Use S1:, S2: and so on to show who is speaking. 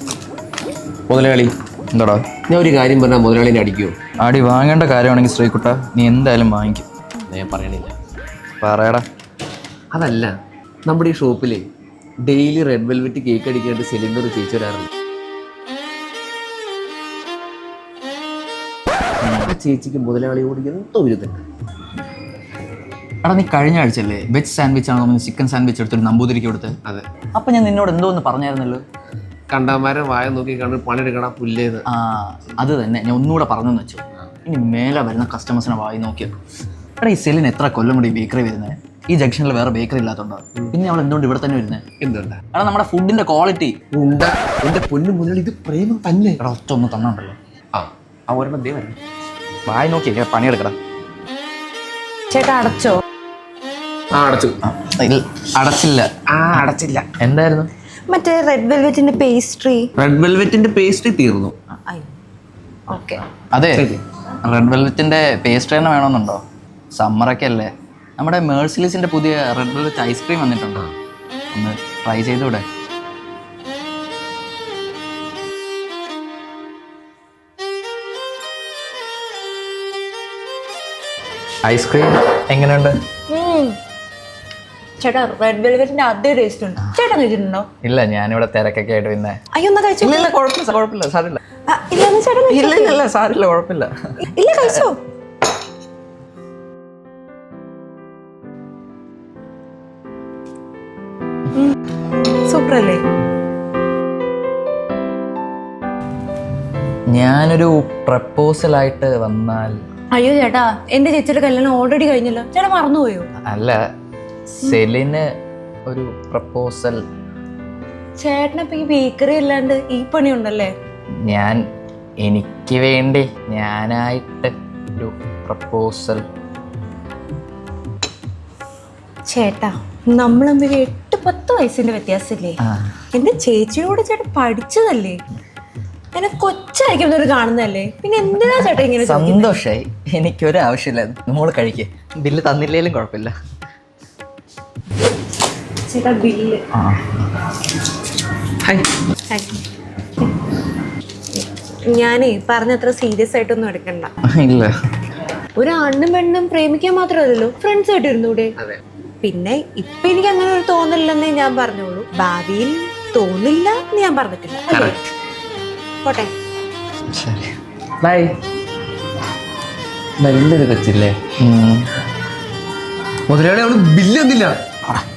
S1: മുതലാളി
S2: എന്താടാ?
S1: ഞാൻ ഒരു കാര്യം പറഞ്ഞാൽ മുതലാളിനെ അടിക്കുമോ?
S2: അടി വാങ്ങേണ്ട കാര്യമാണെങ്കിൽ ശ്രീകുട്ട നീ എന്തായാലും വാങ്ങിക്കും.
S1: ഞാൻ പറയണില്ല.
S2: പറയടാ.
S1: അതല്ല, നമ്മുടെ ഈ ഷോപ്പിൽ ഡെയിലി റെഡ് വെൽവെറ്റ് കേക്ക് അടിക്കാനായിട്ട് സിലിണ്ടർ ചേച്ചി വരാറുണ്ട്. ആ ചേച്ചിക്ക് മുതലാളിയോട് എന്തോ വിരുദ്ധുണ്ട്.
S2: എടാ നീ കഴിഞ്ഞ ആഴ്ചയല്ലേ വെജ് സാൻഡ്വിച്ച് ആണോ ചിക്കൻ സാൻഡ്വിച്ച് എടുത്തൊരു നമ്പൂതിരിക്ക് കൊടുത്ത്?
S1: അതെ.
S2: അപ്പം ഞാൻ നിന്നോട് എന്തോ ഒന്ന് പറഞ്ഞായിരുന്നല്ലോ.
S1: കണ്ടാമാരെ വായ നോക്കി കണ്ട് പണിയെടുക്കണം പുല്ലേന്ന്.
S2: ആ അത് തന്നെ ഞാൻ ഒന്നുകൂടെ പറഞ്ഞെന്ന് വെച്ചു. ഇനി മേലെ വരുന്ന കസ്റ്റമേഴ്സിനെ വായി നോക്കിയത്. എടാ ഈ സെല്ലിന് എത്ര കൊല്ലം കൂടി ബേക്കറി വരുന്നത്? ഈ ജംഗ്ഷനിൽ വേറെ ബേക്കറി ഇല്ലാത്തതുണ്ടോ? പിന്നെ അവൾ എന്തുകൊണ്ട് ഇവിടെ തന്നെ വരുന്നത്?
S1: എന്തുകൊണ്ടാ?
S2: എടാ നമ്മുടെ ഫുഡിന്റെ ക്വാളിറ്റി
S1: ഉണ്ട. എന്റെ പൊന്നു മുതലാളി, ഇത് പ്രേമം തന്നെ.
S2: എടാ ഒറ്റ ഒന്ന് തന്നുണ്ടല്ലോ.
S1: ആ ഒരെണ്ണം ദേ വരണം.
S2: വായി നോക്കി പണിയെടുക്കടാ.
S3: ചേട്ടാ അടച്ചോ?
S1: അടച്ചു.
S2: അടച്ചില്ല.
S1: അടച്ചില്ല.
S2: എന്തായിരുന്നു?
S3: മറ്റേ റെഡ് വെൽവെറ്റിന്റെ പേസ്ട്രി.
S1: റെഡ് വെൽവെറ്റിന്റെ പേസ്ട്രി തീർന്നു.
S3: ഓക്കെ.
S2: അതെ, റെഡ് വെൽവെറ്റിന്റെ പേസ്ട്രി തന്നെ വേണമെന്നുണ്ടോ? സമ്മറൊക്കെ അല്ലേ. നമ്മുടെ മേഴ്സിലീസിന്റെ പുതിയ റെഡ് വെൽവെറ്റ് ഐസ്ക്രീം വന്നിട്ടുണ്ടോ? ഒന്ന് ട്രൈ ചെയ്തൂടെ? ഐസ്ക്രീം എങ്ങനെയുണ്ട്?
S3: ചേട്ടാ റെഡ് വെൽവെറ്റിന്റെ അതേ ടേസ്റ്റ് ഉണ്ട്. ചേട്ടൻ കഴിച്ചിട്ടുണ്ടോ?
S2: ഇല്ല, ഞാനിവിടെ തിരക്കൊക്കെ ആയിട്ട് പിന്നെ.
S3: അയ്യോ എന്നാ കഴിച്ചോ.
S2: ഇല്ല കുഴപ്പമില്ല സാരില്ല.
S3: ഇല്ല ചേട്ടൻ
S2: ഇല്ല സാരില്ല കുഴപ്പമില്ല.
S3: ഇല്ല കഴിച്ചോ. സൂപ്പർ അല്ലേ?
S2: ഞാനൊരു പ്രപ്പോസലായിട്ട് വന്നാൽ.
S3: അയ്യോ ചേട്ടാ, എന്റെ ചേച്ചിയുടെ കല്യാണം ഓൾറെഡി കഴിഞ്ഞല്ലോ. ചേട്ടാ മറന്നുപോയോ?
S2: അല്ല, സെലിന് ഒരു പ്രപ്പോസൽ.
S3: ചേട്ടനിപ്പോ ഈ ബേക്കറി അല്ലാണ്ട് ഈ പണി ഉണ്ടല്ലേ?
S2: ഞാൻ എനിക്ക് വേണ്ടി ഞാനായിട്ട് ഒരു പ്രപ്പോസൽ.
S3: ചേട്ടാ നമ്മൾ തമ്മിൽ 8-10 വയസ്സിന്റെ വ്യത്യാസമില്ലേ? എന്റെ ചേച്ചിയോട് ചേട്ടൻ പഠിച്ചതല്ലേ? എന്നെ കൊച്ചായിരിക്കും കാണുന്നതല്ലേ? പിന്നെ എന്തിനാ ചേട്ടാ ഇങ്ങനെ?
S2: സന്തോഷായി. എനിക്കൊരു ആവശ്യമില്ല. നമ്മൾ കഴിക്കേ. ബില്ല് തന്നില്ലേലും കുഴപ്പമില്ല.
S3: ചേട്ടാ ബില്ല്. ഞാനേ പറഞ്ഞത്ര സീരിയസ് ആയിട്ടൊന്നും എടുക്കണ്ട.
S2: ഇല്ല,
S3: ഒരു ആണ്ണും പെണ്ണും പ്രേമിക്കാൻ മാത്രമല്ലല്ലോ, ഫ്രണ്ട്സ് ആയിട്ട് ഇരുന്നൂടെ? പിന്നെ ഇപ്പൊ എനിക്ക് അങ്ങനെ ഒരു തോന്നില്ലെന്നേ ഞാൻ പറഞ്ഞോളൂ. ഭാവിയിൽ തോന്നില്ല എന്ന് ഞാൻ പറഞ്ഞിട്ടില്ല. പോട്ടെ.
S2: ശരി.
S1: ബൈ. നല്ലൊരു കൊച്ചില്ലേ മുതലാളി? അവള് ബില്ല് തന്നില്ല.